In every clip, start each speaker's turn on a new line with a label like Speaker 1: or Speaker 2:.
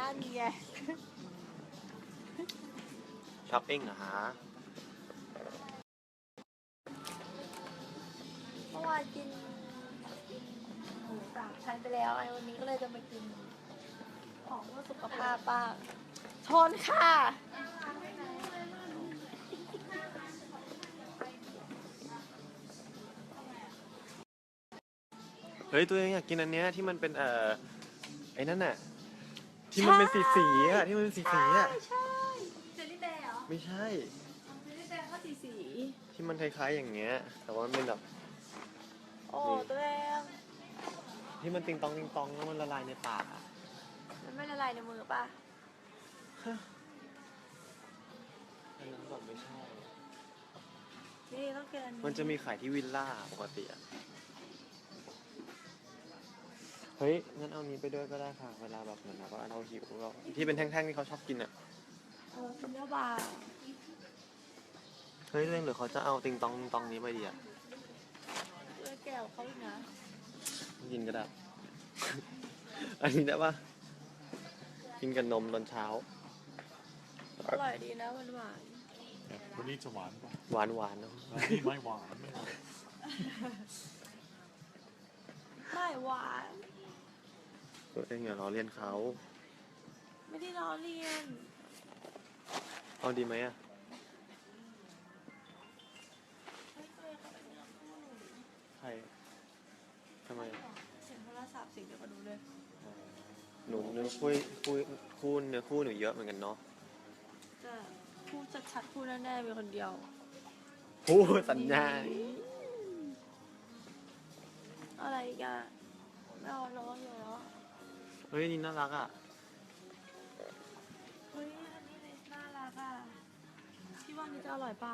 Speaker 1: นไง
Speaker 2: ช้อปปิ้งเหรอฮะ
Speaker 1: เมื่อวานกินหมูสามชั้นไปแล้วไอ้วันนี้ก็เลยจะมากินของเพื่อสุขภาพบ้างชนค่ะ
Speaker 2: เฮ้ยตัวเองอยากกินอันเนี้ยที่มันเป็นไอ้นั่นน่ะที่มันเป็นสีอ่ะที่มันเป็นสีอ่ะ
Speaker 1: ใช่เจลลี่แบร์เหรอ
Speaker 2: ไม่ใช่
Speaker 1: เจลลี่แบร์ก็สี
Speaker 2: ที่มันคล้ายๆอย่างเงี้ยแต่ว่ามันเป็นแบบ
Speaker 1: โอ้ตัวเอง
Speaker 2: ที่มันติงตองแล้วมันละลายในปากอ่ะ
Speaker 1: มันไม่ละลายในมือป่ะ
Speaker 2: อันนั้นแบบไม่ใช่
Speaker 1: นี่ต้องกินอันนี้
Speaker 2: มันจะมีขายที่วิลล่าปกติอ่ะเฮ้ยงั้นเอานี้ไปด้วยก็ได้ค่ะเวลาแบบเหมือนแบบว่าเราหิวเราที่เป็นแท่งๆที่เขาชอบกินอ่ะ
Speaker 1: กินเนื้อบาร์
Speaker 2: เฮ้ยเรื่องหรือเขาจะเอาติงตองนี้ไปดีอ่ะ
Speaker 1: เลือแก้วเขาอีกนะ
Speaker 2: กินก็ได้ อันนี้ได้ปะกินกับนมตอนเช้า
Speaker 1: อร่อยดีนะหวาน
Speaker 3: วันนี้จะหวานป่ะ
Speaker 2: หวานเนาะ
Speaker 3: นี่ไม่หวานไม่หวาน
Speaker 1: ไม่หวาน
Speaker 2: ตัวเองอย่าล้อเลียนเขา
Speaker 1: ไม่ได้ล้อเลียน
Speaker 2: เอาดีไหมอ่ะใครทำไม
Speaker 1: เสียงโทรศัพท์เสียงเดียวกันดูเลย
Speaker 2: หนูคู่เนื้อคู่หนูเยอะเหมือนกันเนาะ
Speaker 1: จะพูดชัดๆพูดแน่ๆมีคนเดียว
Speaker 2: พูดสัญญา
Speaker 1: อะไรอีกอ่ะไม่เอาล้ออยู่แล้ว
Speaker 2: เฮ้ยนี่น่ารักอ่ะ
Speaker 1: เฮ้ยอันนี้เลยน่ารักอ่ะพี่ว่านี่จะอร่อยป่ะ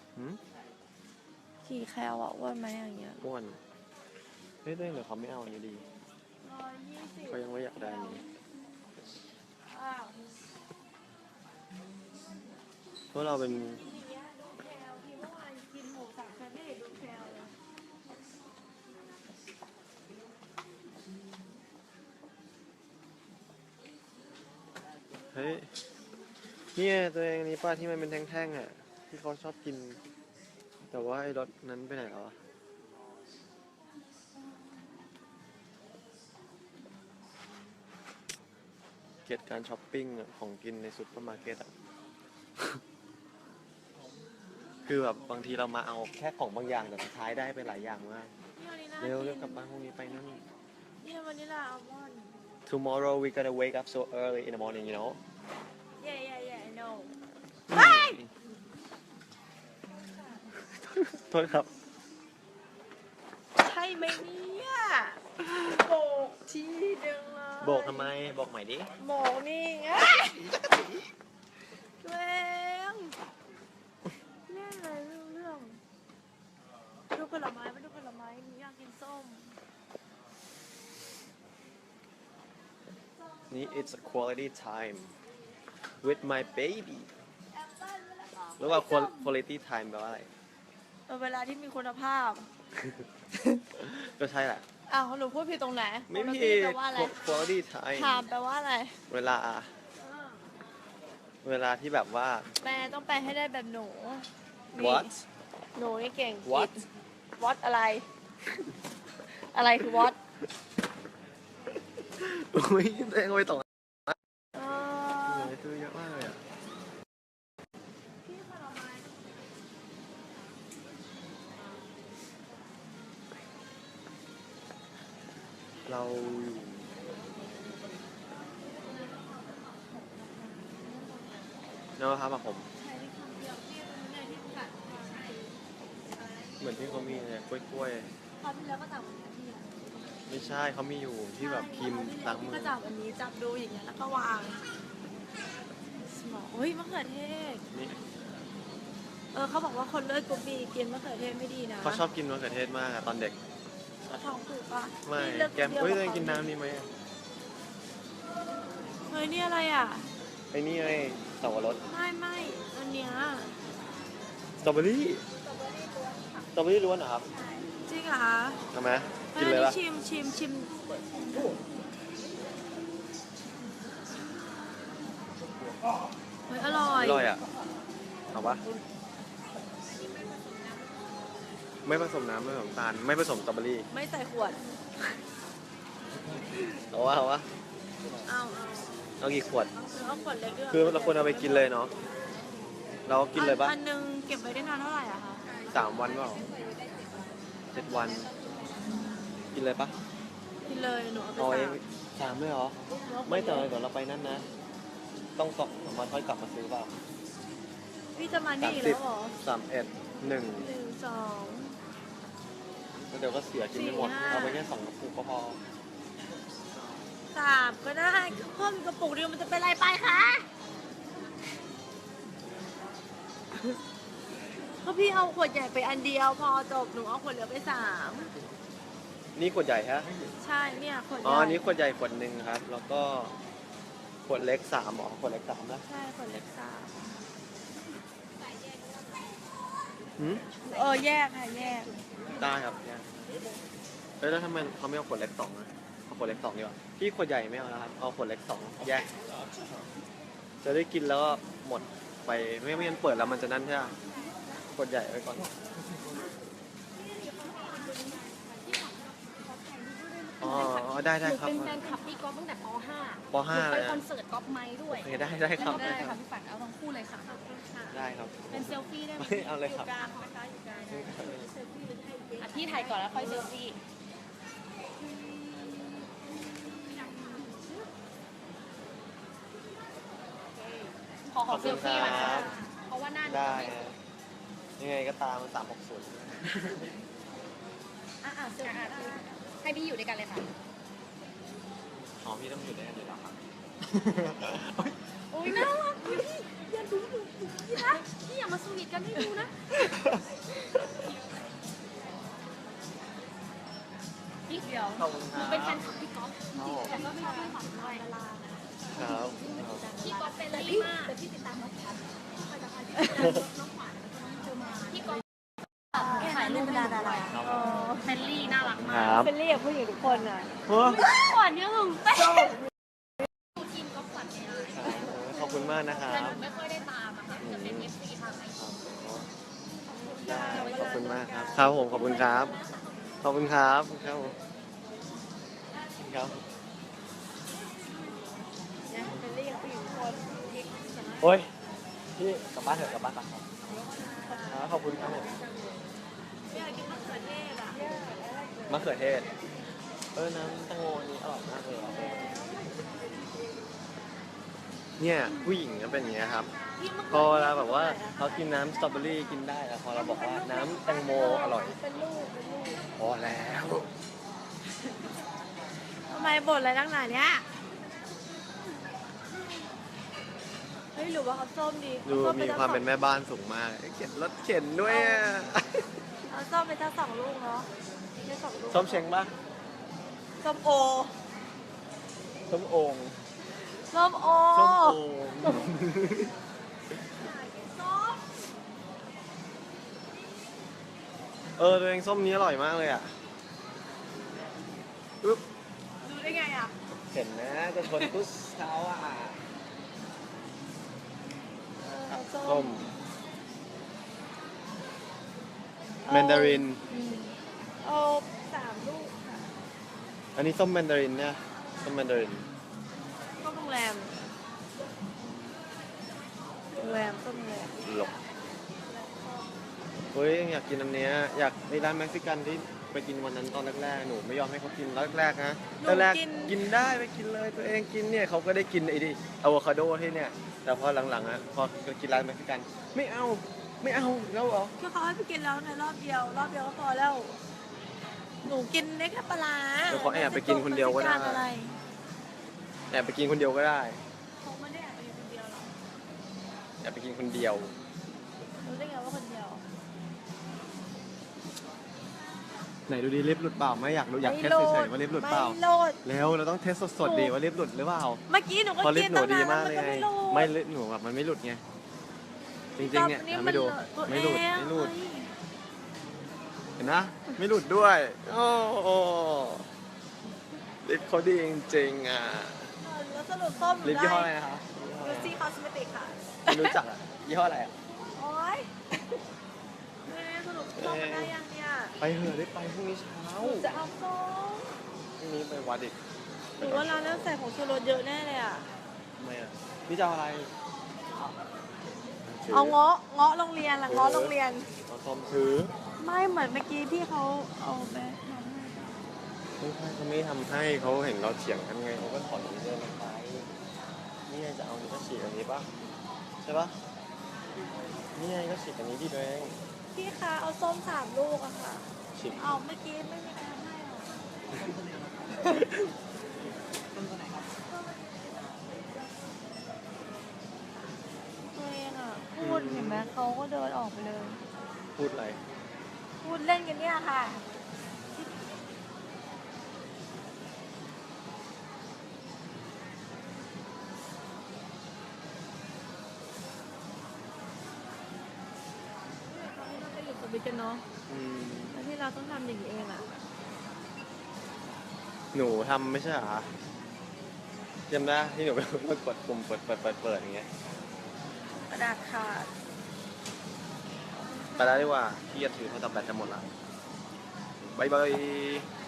Speaker 1: กี่แคลอ่ะอ้วนไหมอย่างเงี้ย
Speaker 2: อ้วนเฮ้ยเรื่องเดี๋ยวเขาไม่เอาอันนี้ดี
Speaker 1: 120
Speaker 2: เขายังไม่อยากได้อันนี้เพราะเราเป็นเฮ้ยเนี่ยตัวเองนี่ป้าที่มันเป็นแท่งๆอ่ะที่เขาชอบกินแต่ว่าไอ้รสนั้นไปไหนแล้วอะเกลียดการช้อปปิ้งของกินในซุปเปอร์มาร์เก็ตอ่ะ คือแบบบางทีเรามาเอาแค่ของบางอย่างแต่สุดท้ายได้ไปหลายอย่างมากเร็วกลับบ้านพรุ่งนี้ไปนั่น
Speaker 1: นี่วันนี้ล่ะอัลมอนด์
Speaker 2: Tomorrow we gotta wake up so early in the morning you know
Speaker 1: Yeah I know
Speaker 2: โทษครับ
Speaker 1: ใช่ไหมเนี่ยโบกทีเดียวเลย
Speaker 2: โบกทำไมบอกใหม่ดิ
Speaker 1: โบกนี่ไงตัวเองเล่นอะไรเรื่องดูผลไม้ไม่ดูผลไม้หนูอยากกินส้ม
Speaker 2: นี่ it's a quality time with my baby หรือว่า quality time แปลว่าอะไร
Speaker 1: เวลาที่มีคุณภาพ
Speaker 2: ก็ใช่แหละ
Speaker 1: อ้าวหนูพูดผิดตรงไหน
Speaker 2: ไม่ผิด quality time
Speaker 1: ถามแปลว่าอะไร
Speaker 2: เวลาที่แบบว่า
Speaker 1: แปลต้องแปลให้ได้แบบหนู
Speaker 2: what
Speaker 1: หนูนี่เก่ง
Speaker 2: what
Speaker 1: อะไร อะไรคือ what
Speaker 2: อุ้ยเองไปต่อตัวเยอะมากเลยอ่ะเราอยู่นะครับผมเหมือนที่เขามีเนี่ยกล้วย
Speaker 1: คราวที่แล้วก็จับอันนี้พี่
Speaker 2: ไม่ใช่เขามีอยู่ที่แบบครีมล้างมือ
Speaker 1: ก็จับอันนี้จับดูอย่างเงี้ยแล้วก็วางสมองเฮ้ยมะเขือเทศ
Speaker 2: นี่
Speaker 1: เขาบอกว่าคนเลิกกรุ๊ปบีกินมะเขือเทศไม่ดีนะ
Speaker 2: เขาชอบกินมะเขือเทศมากตอนเด็ก
Speaker 1: ท้องผูกป่ะ
Speaker 2: ไม่แกมตัวเองกินน้ำนี่ไหม
Speaker 1: เฮ้ยนี่อะไรอ่ะ
Speaker 2: ไอ้นี่ไงสับปะรด
Speaker 1: ไม่อันเนี้ย
Speaker 2: สตรอเบอรี่ล้วนเหรอครับ
Speaker 1: จริงเหรอ
Speaker 2: ทำไมกินเลยป่ะ
Speaker 1: ชิมเฮ้ยอร่อย
Speaker 2: อร่อยอ่ะเอาปะไม่ผสมน้ำไม่ผสมตาลไม่ผสมสตรอเบอรี่
Speaker 1: ไม่ใส่ขวด
Speaker 2: เอาวะ
Speaker 1: เอา
Speaker 2: เอากี่ขวด
Speaker 1: เอาขวดเล็กด้วย
Speaker 2: คือเราควรเอาไปกินเลยเนาะเรากินเลยปะ
Speaker 1: อันนึงเก็บไว้ได้นานเท่าไหร่อะคะ
Speaker 2: 3 วันเปล่า7 วัน กินเลยปะ
Speaker 1: กินเลยหนูเอาไป
Speaker 2: เอาเอ
Speaker 1: สาง ม
Speaker 2: 3เลยเหรอไม่แต่เดี๋ยวเราไปนั่นนะ ต้อง2 วันค่อยกลับมาซื้อเปล่า
Speaker 1: พี่จะมานี่อีกแล้วเหรอ
Speaker 2: 31
Speaker 1: 1 2
Speaker 2: แล้วเดี๋ยวก็เสียกินไม่หมด
Speaker 1: 4 5
Speaker 2: เอาไปแค่2 กระปุกก็พอ
Speaker 1: 3ก็ได้เพิ่มอีกกระปุกเดียวมันจะเป็นไรไปคะก็พี่เอาขวดใหญ่ไปอันเดียวพอจบหนูเอาขวดเหลือไป3
Speaker 2: นี่ขวดใหญ่ฮะ
Speaker 1: ใช่เนี่ยขวดให
Speaker 2: อ๋อ
Speaker 1: ญ่
Speaker 2: อันนี้ขวดใหญ่ขวดหนึ่งครับ แล้วก็ขวดเล็ก3หรอขวดเล็ก3นะ
Speaker 1: ใช่ขวดเล็ก
Speaker 2: หืม
Speaker 1: 3แยกค่ะแยก
Speaker 2: ได้ครับเนี่ยแล้วทำไมเขาไม่เอาขวดเล็ก2นะเอาขวดเล็ก2ดีกว่าพี่ขวดใหญ่ไม่เอานะครับ เอาขวดเล็ก2แยก จะได้กินแล้วก็หมดไปไม่งั้นเปิดแล้วมันจะนั่นใช่ไหมขวดใหญ่ไว้ก่อน อ๋อได้
Speaker 4: หนู
Speaker 2: ครับ
Speaker 4: เป็นแฟนคลับพี่ก๊อฟตั้งแต่ป .5
Speaker 2: ป .5
Speaker 4: ไป
Speaker 2: เลย
Speaker 4: คอนเสิร์ตก๊อฟไม้ด้วย
Speaker 2: โอเคได้ครับ
Speaker 4: ได้ค่ะพี่ฝันเอาทั้งคู่เลยค่ะ
Speaker 2: ได้ครับ
Speaker 4: เป็นเซลฟี่ได้ไหม
Speaker 2: ไม่เอาเลยครับ
Speaker 1: กลางนะคะอยู่กลาง
Speaker 4: อ่ะพี่ถ่ายก่อนแล้วค่อยเซลฟี่ ขอเซลฟี่ก่อนค่ะเพราะว่าหน้าหนู
Speaker 2: ได้
Speaker 4: ไม่
Speaker 2: ฮะยังไงก็ตามมัน360
Speaker 4: เซลฟี่ให้พี่อยู่ด้วยกันเลยค่ะ
Speaker 2: อ๋อพี่ต้องอยู่ด้วยกันอยู่แล้วครับ
Speaker 4: โอ้ยน่ารักพี่อย่าดูหนูพี่นะพี่อย่ามาสวีทกันให้ดูนะพี่เดียว
Speaker 2: ขอบคุณค
Speaker 4: หนู
Speaker 2: รับ
Speaker 4: เป็นแฟนคลับพี่ก๊อฟ
Speaker 2: ครับผม
Speaker 4: แต่ก็ไม่ชอบพี่ฝันด้วย
Speaker 2: ครับ
Speaker 4: พี่ก๊อฟเป็นลี่มากแต่พี่ติดตามน้องขวัญน้องขวัญแล้วก็น้องเจอมาพี่ก๊อฟถ่ายรูปเป็นดาราเฟลลี่น่ารัก
Speaker 2: ค
Speaker 4: มาก
Speaker 2: รับ
Speaker 1: เป็นเรียกผู้หญิงทุกคนอ่ะ
Speaker 4: ขวัญเนี่ยหึงเต้ทีมก๊อฟขวัญเนี่ย
Speaker 2: ขอบคุณมากนะครั
Speaker 4: แต่ห
Speaker 2: บ
Speaker 4: นูไม่ค่อยได้ตามอะค่ะจะเป็น FC ทางไอซี
Speaker 2: ได้ขอบคุณมากครับ ครับผมขอบคุณครับ ขอบคุณครับครับผมครับ
Speaker 1: เป็นเรียกผู้หญิงทุกคน
Speaker 2: โอ้ยพี่กลับบ้านเถอะกลับบ้านก่อนครับขอบคุณครับผม
Speaker 1: อยากกินมะเขือเทศอ่ะ
Speaker 2: มะเขือเทศน้ำแตงโมนี่อร่อยมากเลยอะเนี่ยผู้หญิงก็เป็นอย่างเงี้ยครับ พอเวลาแบบว่าเขากินน้ำสตรอเบอรี่กินได้แล้วพอเราบอกว่าน้ำแตงโมอร่อย
Speaker 1: เป็นลูกเป็นลูก
Speaker 2: พอแล้ว
Speaker 1: ทำไมบ่นอะไรนักหนาเนี้ยเฮ้ยหรือว่าเขาส้มดี
Speaker 2: ดูมีความเป็นแม่บ้านสูงมากเข็นรถเข็นด้วยอะ
Speaker 1: เอาส้มไปทั้ง2 ลูกเนาะไม่2 ลูก
Speaker 2: ส้มเช้งปะ
Speaker 1: ส้มโอ
Speaker 2: ส้มโอ่ง
Speaker 1: ส้มโอ
Speaker 2: ส้มโอ่งตัวเองส้มนี้อร่อยมากเลยอ่ะอุ๊บ
Speaker 1: ดูได้ไงอ่ะ
Speaker 2: เห็นนะจะชนทุกเช้าอ่ะ
Speaker 1: เอา
Speaker 2: ส้มแมนดาริน
Speaker 1: เอา3 ลูกค่ะ
Speaker 2: อันนี้ส้มแมนดารินเนี่ยส้มแมนดาริน
Speaker 1: ส้มโรงแรมส้มโรงแรม
Speaker 2: หลบเฮ้ยอยากกินอันเนี้ยอยากในร้านเม็กซิกันที่ไปกินวันนั้นตอนแรกๆหนูไม่ยอมให้เขากินแรกๆนะแรกๆกินได้ไปกินเลยตัวเองกินเนี่ยเขาก็ได้กินไอ้ดิอะโวคาโดที่เนี่ยแต่พอหลังๆอ่ะพอกินร้านเม็กซิกันไม่เอาแล้วเหรอ
Speaker 1: ก็เขาให้ไปกินแล้วในรอบเดียวก็พอแล้ว หนูกินได้แค่ปลาร้า
Speaker 2: เดี๋ยวเขาแอบไปกินคนเดียวก็ได้
Speaker 1: ม่อะไร
Speaker 2: แอบไปกินคนเดียวก็ได้
Speaker 1: เขาไม่ได้แอบไปกินคนเดียวหรอก
Speaker 2: แอบไปกินคนเดียว
Speaker 1: รู้ได้ไงว่าคนเดียว
Speaker 2: ไหนดูดิลิฟต์หลุดเปล่าไม่อยากรู้อยากเทสเฉยๆว่าลิฟต์หลุดเปล่า
Speaker 1: ไม่โหลด
Speaker 2: แล้วเราต้องเทสสดๆดีว่าลิฟต์หลุดหรือเปล่า
Speaker 1: เมื่อกี้หนูก็
Speaker 2: พอลิฟ
Speaker 1: กิน
Speaker 2: ต์หนู
Speaker 1: ตั้ง
Speaker 2: ดี
Speaker 1: นาน
Speaker 2: มาก
Speaker 1: แล้ว
Speaker 2: เล
Speaker 1: มัน
Speaker 2: ย
Speaker 1: ก็
Speaker 2: ไง
Speaker 1: ไม่โหลด
Speaker 2: ไม่ลิฟต์หนูแบบมันไม่หลุดไงจริงๆเนี่ย
Speaker 1: นี่
Speaker 2: ทำ
Speaker 1: มั
Speaker 2: ให้ดู
Speaker 1: ตัว
Speaker 2: ไม่หลุด
Speaker 1: เอง
Speaker 2: ไม่หลุด
Speaker 1: เฮ้ย
Speaker 2: เห็นนะไม่หลุดด้วยโอ้โหลิฟต์เขาดีจริงๆอ่ะ
Speaker 1: แล้วสรุปส้มหนู
Speaker 2: ลิฟต์ยี่ห้อ
Speaker 1: ได้
Speaker 2: อะไรนะครับ
Speaker 1: ดูสิเขาสเมติกค่ะ
Speaker 2: ไม่รู้จักอ่ะยี่ห้ออะไรอ่ะ
Speaker 1: โอ๊ยแม่สรุปส้มมันได้ยังเนี่ย
Speaker 2: ไปเถอะได้ไปพรุ่งนี้เช้า
Speaker 1: จะเอาส้ม
Speaker 2: พรุ่งนี้ไปวัดอีก
Speaker 1: หรือว่าร้านนั้นใส่ผงชูรสเยอะแน่เลยอ่ะ
Speaker 2: ทำไมอ่ะนี่จะเอาอะไร
Speaker 1: เอาเงาะโรงเรียนละเงาะโรงเรียน
Speaker 2: เอาส้มถือ
Speaker 1: ไม่เหมือนเมื่อกี้ที่เขาเอาไปทำให้
Speaker 2: ไม่ใช่เขาไม่ทำให้เขาเห็นเราเถียงกันไงเขาก็ถอนนี้เดินไปนี่ไงจะเอานี่ก็ฉีกอันนี้ปะใช่ปะนี่ไงก็ฉีกอันนี้ที่ตัวเอง
Speaker 1: พี่คะเอาส้ม3 ลูกอะค่ะ
Speaker 2: ฉีก
Speaker 1: เอาเมื่อกี้ไม่มีใครทำให้หรอตัวเองอะพูดเห็นไหมเขาก็เดินออกไปเลย
Speaker 2: พูดอะไร
Speaker 1: พูดเล่นกันเนี่ยค่ะ ตอนนี้เราไปอยู่กับบิ๊กกันเนาะ
Speaker 2: อืม
Speaker 1: แล้วที่เราต้องทำอย่างนี้เองอะ
Speaker 2: หนูทำไม่ใช่เหรอจำได้ที่หนูไปกดปุ่มเปิดอย่างเงี้ย
Speaker 1: กระดาษขาด
Speaker 2: ไปแล้วดีกว่าพี่จะถือโทรศัพท์แบตจะหมดละบายบาย